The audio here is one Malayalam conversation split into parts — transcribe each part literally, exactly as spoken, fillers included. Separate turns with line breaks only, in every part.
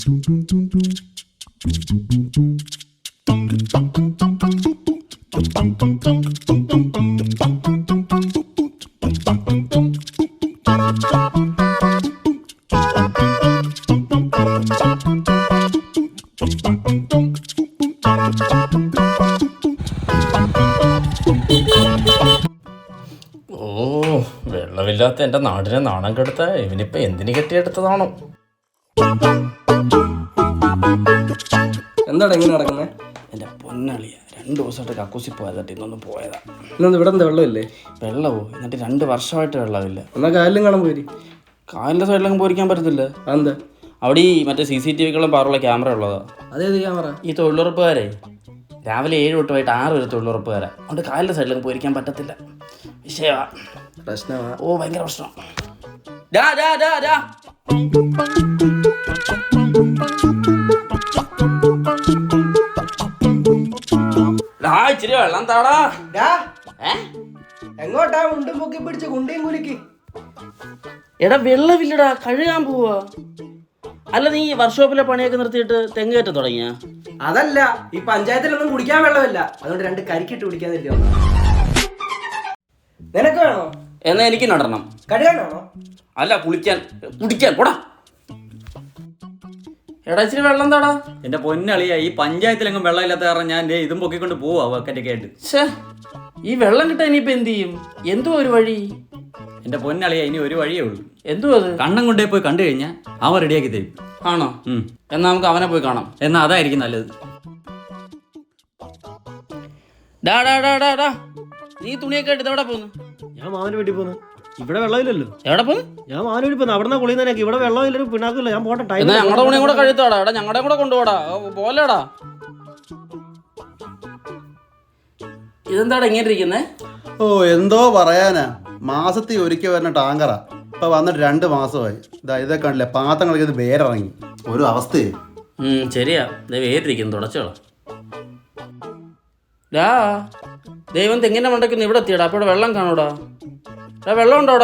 ഓ, വെള്ളമില്ലാത്ത എൻ്റെ നാടിനെ നാണം കെടുത്ത ഇവനിപ്പോൾ എന്തിനു കെട്ടിയെടുത്തതാണോ?
എന്താണ് എങ്ങനെ നടക്കുന്നത്?
എൻ്റെ പൊന്നളിയ രണ്ട് ദിവസമായിട്ട് കക്കൂസി പോയതായിട്ട് ഇന്നൊന്ന് പോയതാ.
ഇന്ന് ഇവിടെ എന്താ വെള്ളമില്ലേ?
വെള്ളമോ? എന്നിട്ട് രണ്ട് വർഷമായിട്ട് വെള്ളമില്ല.
എന്നാൽ കായലിലും കാണാൻ പോയി.
കായലിൻ്റെ സൈഡിലൊന്നും പോയിരിക്കാൻ പറ്റത്തില്ല.
അതെന്താ?
അവിടെ ഈ മറ്റേ സി സി ടി വികളും പാറുള്ള ക്യാമറ ഉള്ളതാ.
അതേത് ക്യാമറ?
ഈ തൊഴിലുറപ്പുകാരെ രാവിലെ ഏഴ് തൊട്ട് വൈകിട്ട് ആറ് വരെ തൊഴിലുറപ്പുകാരാ. അതുകൊണ്ട് കായലിൻ്റെ സൈഡിലൊന്നും പോയിരിക്കാൻ പറ്റത്തില്ല. വിഷയമാ,
പ്രശ്നമാ.
ഓ ഭയങ്കര പ്രശ്നം. ഡാ ഡാ ഡാ ഡാ ഇച്ചിരി വെള്ളം താടാ.
എങ്ങോട്ടാ മുണ്ടും പൊക്കി പിടിച്ച് കുണ്ടിയും കുലുക്കി?
എടാ വെള്ളമില്ലടാ, കഴുകാൻ പോവാ. അല്ല നീ വർക്ക്ഷോപ്പിലെ പണിയൊക്കെ നിർത്തിയിട്ട് തെങ്ങ് കയറ്റം തുടങ്ങിയ?
അതല്ല, ഈ പഞ്ചായത്തിലൊന്നും കുടിക്കാൻ വെള്ളമില്ല, അതുകൊണ്ട് രണ്ട് കരിക്കിട്ട് കുടിക്കാതിരിക്കുക. നിനക്ക് വേണോ?
എന്നാ എനിക്ക് നടണം.
കഴുകാനാണോ?
അല്ല, കുളിക്കാൻ കുടിക്കാൻ പോടാ. എടാ ഇച്ചിരി വെള്ളം താടാ.
എന്റെ പൊന്നളിയ, ഈ പഞ്ചായത്തിലെങ്ങും വെള്ളമില്ലാത്ത കാരണം ഞാൻ ഇതും പൊക്കിക്കൊണ്ട് പോവാ ബക്കറ്റൊക്കെ ആയിട്ട്.
ഛേ, ഈ വെള്ളം കിട്ടാൻ ഇനിയിപ്പോ എന്ത് ചെയ്യും? എന്തോ ഒരു വഴി.
എന്റെ പൊന്നളിയ, ഇനി ഒരു വഴിയേ ഉള്ളൂ.
എന്തോ അത്?
കണ്ണം കൊണ്ടേ പോയി കണ്ടു കഴിഞ്ഞാൽ അവൻ റെഡിയാക്കി തരും.
ആണോ? എന്നാ നമുക്ക് അവനെ പോയി കാണാം.
എന്നാ അതായിരിക്കും നല്ലത്.
ഡാ ഡാ ഡാ ഡാ ഡാ നീ തുണിയൊക്കെ എടുത്ത് എവിടെ പോന്നു?
ഞാൻ മാമന് വീട്ടിൽ പോന്നു. ഇവിടെ വെള്ളമില്ലല്ലോ.
എവിടെ പോന്നു?
ഞാൻ മാമന് വീട്ടിൽ പോന്നു. അവിടെ നിന്ന് കുളിയുന്നതിനൊക്കെ ഇവിടെ വെള്ളമില്ല, പിണാക്കില്ല. ഞാൻ പോട്ടെ. ടൈം
ഞങ്ങളുടെ തുണിയും കൂടെ കഴുത്തോടാ. എടാ ഞങ്ങളുടെ കൂടെ കൊണ്ടുപോടാ. പോലെടാ. ഇതെന്താടാ ഇങ്ങനെ ഇരിക്കുന്നേ?
ഓ, എന്തോ പറയാനാ. മാസത്തിൽ ഒരിക്കൽ വരുന്ന ടാങ്കറാ. ഇപ്പൊ വന്നിട്ട് രണ്ട് മാസമായി. ഇതാ ഇതൊക്കെ കണ്ടില്ലേ, പാത്രങ്ങളൊക്കെ ഇത് വേരിറങ്ങി. ഒരു അവസ്ഥയെ.
ശരിയാ, വേരിരിക്കുന്നു. തുടച്ചോളാം. ഡാ ദൈവം തെങ്ങിന്റെ മണ്ടയ്ക്കൊന്ന് ഇവിടെ എത്തിയടാ. അപ്പൊ ഇവിടെ വെള്ളം കാണൂടാ. വെള്ളം ഉണ്ടോടാ?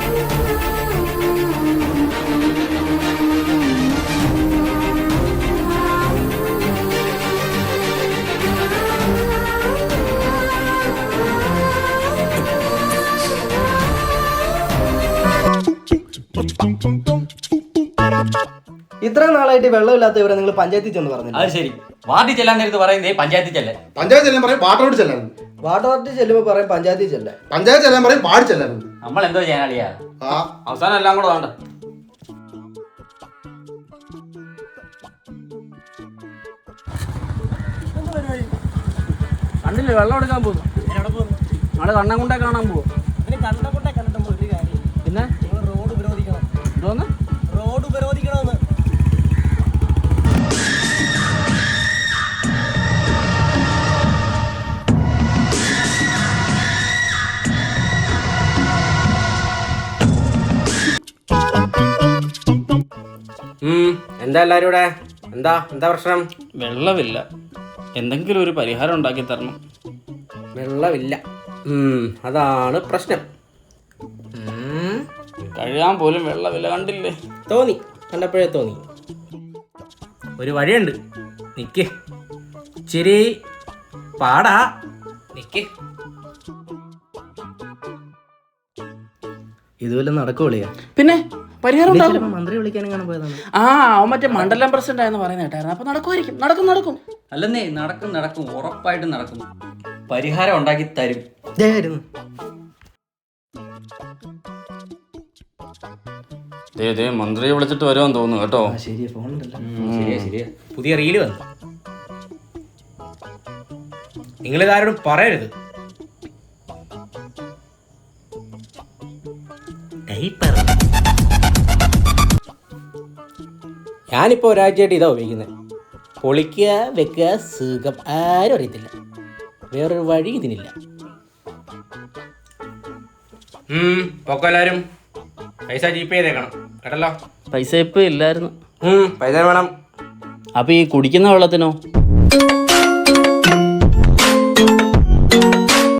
ഇത്രയും നാളായിട്ട് വെള്ളമില്ലാത്ത ഇവരെ നിങ്ങൾ പഞ്ചായത്തിൽ ചെന്ന് പറഞ്ഞില്ല?
അത് ശരി, വാർഡിൽ ചെല്ലാൻ നേരത്ത് പറയുന്നേ പഞ്ചായത്തിൽ ചെല്ലാൻ.
പഞ്ചായത്ത് ചെല്ലാൻ പറയും, വാട്ടറോട് ചെല്ലാൻ.
വാർഡ് വാർഡിൽ ചെല്ലുമ്പോൾ പറയും പഞ്ചായത്തിൽ ചെല്ലാൻ.
പഞ്ചായത്ത് ചെല്ലാൻ പറയും, വാർഡ് ചെല്ലാൻ.
നമ്മൾ എന്തോ ചെയ്യാനളിയാ?
അവസാനം എല്ലാം കൂടെ വേണ്ട. കണ്ടില്ലേ വെള്ളം എടുക്കാൻ പോകുന്നു. നാളെ കണ്ണൻകുണ്ടെ കാണാൻ പോവും. പിന്നെ
റോഡ് ഉപരോധിക്കണം.
എന്തോന്ന്?
റോഡ് ഉപരോധിക്കണമെന്ന്.
എന്താ എല്ലാരും ഇവിടെ? എന്താ എന്താ പ്രശ്നം?
വെള്ളമില്ല, എന്തെങ്കിലും ഒരു പരിഹാരം ഉണ്ടാക്കി തരണം.
വെള്ളമില്ല, അതാണ് പ്രശ്നം.
കഴുകാൻ പോലും വെള്ളമില്ല. കണ്ടില്ലേ?
തോന്നി, കണ്ടപ്പോഴേ തോന്നി. ഒരു വഴിയുണ്ട്, നിക്ക്. ഇച്ചിരി പാടാ, നിക്ക്.
ഇതുവല്ല നടക്കുവളിയാ?
പിന്നെ പരിഹാരം ഉണ്ടാകും.
മന്ത്രി വിളിക്കാനും കാണാൻ പോയതാണ്.
ആ അവൻ മറ്റേ മണ്ഡലം പ്രസിഡന്റ് ആയെന്ന് പറയുന്ന കേട്ടായിരുന്നു. അപ്പൊ നടക്കുമായിരിക്കും. നടക്കും നടക്കും
അല്ലെന്നേ, നടക്കും നടക്കും, ഉറപ്പായിട്ടും നടക്കും. പരിഹാരം ഉണ്ടാക്കി തരും.
മന്ത്രിയെ വിളിച്ചിട്ട് വരുമെന്ന് തോന്നുന്നു കേട്ടോ.
ശരിയാ, ഫോണുണ്ടല്ലോ.
ശരിയാ ശരിയാ.
പുതിയ റീല് വന്നു. നിങ്ങളിതാരോടും പറയരുത്. ഞാനിപ്പോൾ ഒരാഴ്ചയായിട്ട് ഇതാ ഉപയോഗിക്കുന്നത്. പൊളിക്കുക, വെക്കുക, സുഖം. ആരും അറിയത്തില്ല. വേറൊരു വഴി ഇതിനില്ല. പൊക്കം എല്ലാവരും പൈസ ജീപ്പ് ചെയ്തേക്കണം കേട്ടല്ലോ.
പൈസ ഇപ്പൊ ഇല്ലായിരുന്നു.
പൈസ വേണം.
അപ്പൊ ഈ കുടിക്കുന്ന വെള്ളത്തിനോ?